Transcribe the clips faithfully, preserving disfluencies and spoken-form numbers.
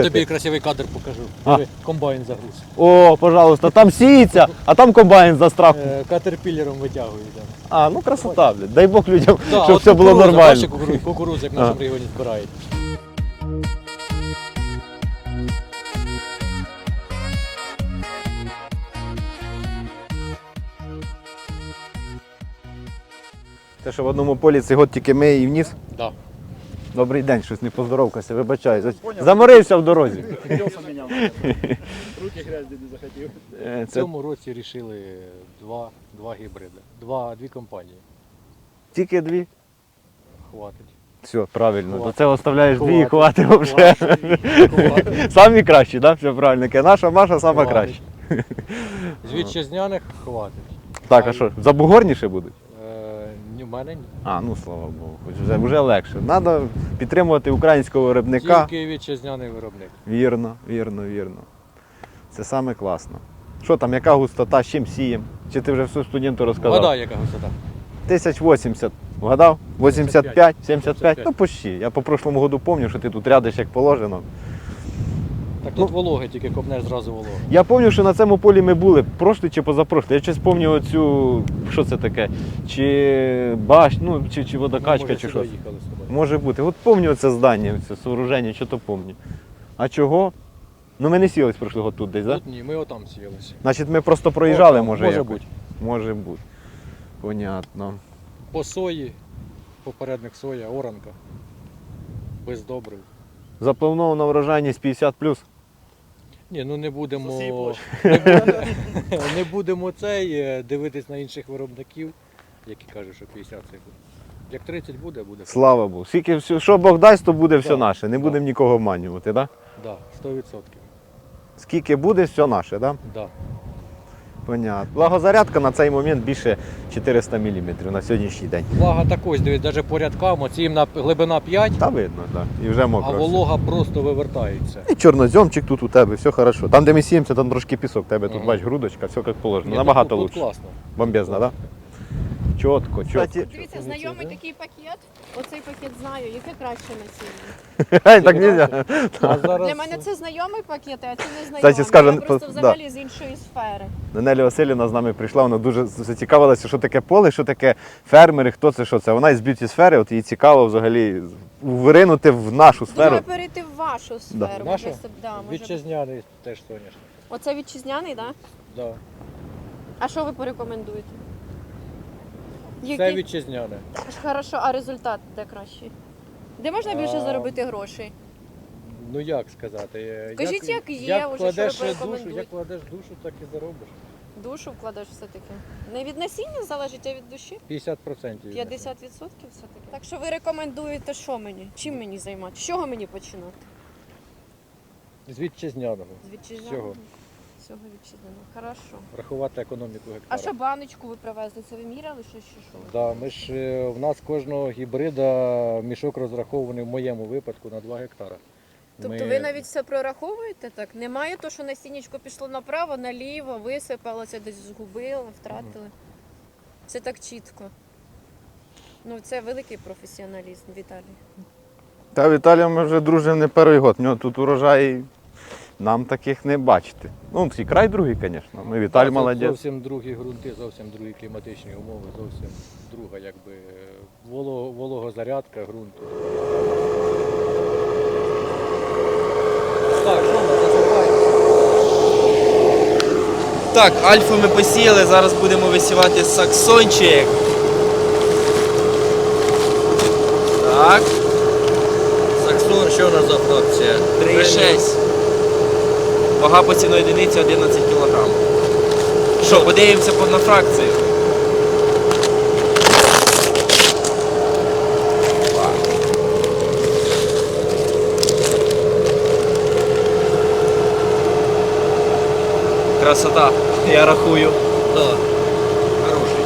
Тобі красивий кадр покажу. А. Диви, комбайн загруз. О, пожалуйста, там сіється, а там комбайн застрав. Е, Катерпілером витягують. Да. А, ну красота, блядь. Дай Бог людям, Да, щоб от все було кукурудза, нормально. бачиш, кукурудзу, кукурудзу, як в нашому регіоні збирають. Те, що в одному полі цей год тільки ми і вніс. Да. Добрий день, щось не поздоровкався, вибачаю. Заморився в дорозі. Руки грязні не захотів. Е, В Це цьому році вирішили два, два гібриди. Два, дві компанії. тільки дві. Хватить. Все, правильно. Хватить. До цього оставляєш дві і Хватить. хватить вже. Хватить. Самі кращі, так? Все правильно. Ке, Наша Маша сама Хватить. краща. З вітчизняних хватить. Так, а що, забугорніше будуть? Е, ні, в мене ні. А, ну слава Богу, хоч вже, вже легше. Треба підтримувати українського виробника. Тільки вітчизняний виробник. Вірно, вірно, вірно. Це саме класно. Що там, яка густота, з чим сієм? Чи ти вже все студенту розказав? Вода яка висота. тисяч вісімдесят. Вгадав? вісімдесят п'ять, сімдесят п'ять? Ну, п'ять. почти. Я по прошлому году пам'ятаю, що ти тут рядиш як положено. Так Ну. тут вологи, тільки копнеш зразу вологи. Я пам'ятаю, що на цьому полі ми були, прошлий чи позапрошлий. Я щось пам'ятаю оцю, що це таке, чи баш, ну, чи, чи водокачка, Може, чи сюди що. їхали з тобою. Може бути. От пам'ятаю це здання, це сооруження, що то пам'ятаю. А чого? Ну ми не сілись прошлого тут десь, так? Тут ні, ми отам сіялися. Значить ми просто проїжджали, Отам, може може якось? бути. Може бути. Понятно. По сої, попередник соя, оранка. Без добрив. Запланована врожайність п'ятдесят плюс. Ні, ну не будемо, Засій площу. не будемо, не будемо цей, е, дивитись на інших виробників, які кажуть, що п'ятдесят це буде. Як тридцять буде, буде. Слава Богу. Скільки, все- що Бог дасть, то буде все Да, наше. Не да. будемо нікого обманювати, так? Да? Да, сто відсотків. Скільки буде, все наше, так? Да? Да. Понятно. Благозарядка на цей момент більше чотириста міліметрів на сьогоднішній день. Влага також, дивись, навіть по рядкам, оці їм на глибина п'ять, Та видно, так. Да. І вже а мокро. все. волога просто вивертається. І чорноземчик тут у тебе, все хорошо. Там, де ми сіємося, там трошки пісок. Тебе тут Ага. бач, грудочка, все як положено. Ні, Набагато тут- тут лучше. класно. Бомбезно, так? Да? Чітко, чітко. Дивіться, знайомий такий пакет. Оцей пакет знаю, яке краще насіння. Ей, так нельзя. А зараз Для мене це знайомий пакет, а це не знайомий. Кстати, скажу, Я просто да. взагалі з іншої сфери. Нелі Василівна з нами прийшла, вона дуже зацікавилася, що таке поле, що таке фермери, хто це, що це. Вона із б'юті сфери, от їй цікаво взагалі виринути в нашу сферу. Думаю, перейти в вашу сферу. Нашу? Може, це- да, може... вітчизняний теж соняшник. Оце вітчизняний, так? Да? Да. А що ви порекомендуєте? Це Який? вітчизняне. Хорошо, а результат де кращий? Де можна більше А, заробити грошей? Ну як сказати? е, Кажіть, як є, як уже, кладеш що ви душу, порекомендуєте? як кладеш душу, так і заробиш. Душу вкладеш все-таки. Не від насіння залежить, а від душі? п'ятдесят відсотків. п'ятдесят відсотків все-таки. Так що ви рекомендуєте що мені? Чим мені займатися? З чого мені починати? З вітчизняного. З вітчизняного? Всього. Всього вітчизняного. Хорошо. Рахувати економіку А гектара. що баночку ви привезли? Це ви міряли що чи що? Да, ми ж, е, в нас кожного гібрида мішок розрахований в моєму випадку на два гектара. Тобто Ми- ви навіть все прораховуєте так? Немає то, що насіннячко пішло направо, наліво, висипалося, десь згубили, втратили. Це так чітко. Ну, це великий професіоналізм, Віталій. Та Віталій ми вже дружимо не перший год. В нього тут урожай нам таких не бачити. Ну, і край другий, звісно. Ми Віталій Це молодець. Зовсім другі ґрунти, зовсім другі кліматичні умови, зовсім друга якби воло, вологозарядка ґрунту. Так, що ми засипаємо? Так, альфу ми посіяли, зараз будемо висівати саксончик. Так, Саксон, що у нас за фракція? три і шість. Вага посівної одиниці одинадцять кілограм. Що, подивимося по- на фракцію. Красота, я рахую. Так, хороший.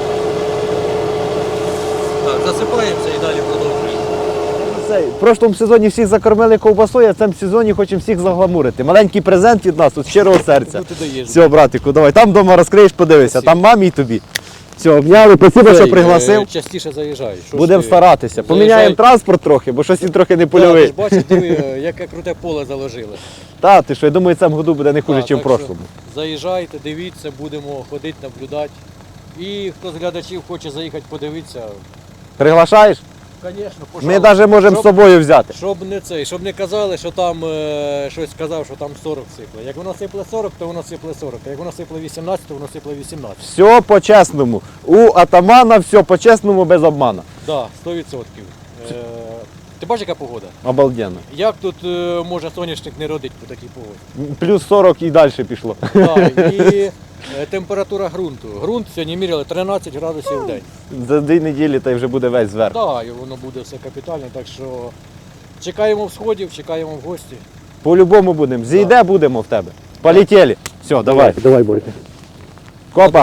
Так, засипаємося і далі продовжуємо. Цей, в прошлому сезоні всіх закормили ковбасою, а в цьому сезоні хочемо всіх загламурити. Маленький презент від нас, от щирого серця. Ну, ти даєш. Все, братику, давай. Там вдома розкриєш, подивися. Спасибо. Там мамі і тобі. Все, обняли, спасибо, що Цей, пригласив. е, Частіше заїжджай. Що ж Будемо ти? старатися. Заїжджай. Поміняємо транспорт трохи, бо щось він трохи не Да, ти польовий. ж бачиш, диви, е, яке круте поле заложили. Та, ти що, я думаю, в цьому году буде не хуже, Так, ніж в так що прошлому. Заїжджайте, дивіться, будемо ходити, наблюдати. І хто з глядачів хоче заїхати подивитися, Приглашаєш? звісно, Ми навіть можемо з собою взяти. Щоб не цей, щоб не казали, що там е, щось сказав, що там сорок сипле. Як воно сипле сорок, то воно сипле сорок. А як воно сипле вісімнадцять, то воно сипле вісімнадцять. Все по-чесному. У атамана все по-чесному, без обмана. Так, да, сто відсотків. Е, ти бачиш, яка погода? Обалденно. Як тут е, може соняшник не родить по такій погоді? Плюс сорок і далі пішло. Так, і е, температура ґрунту. Ґрунт сьогодні міряли тринадцять градусів в день. За дві неділі та й вже буде весь зверху. Так, і воно буде все капітально, так що чекаємо всходів, чекаємо в гості. По-любому будемо. Зійде будемо в тебе. Полетіли. Все, давай. Давай, Борька. Копа.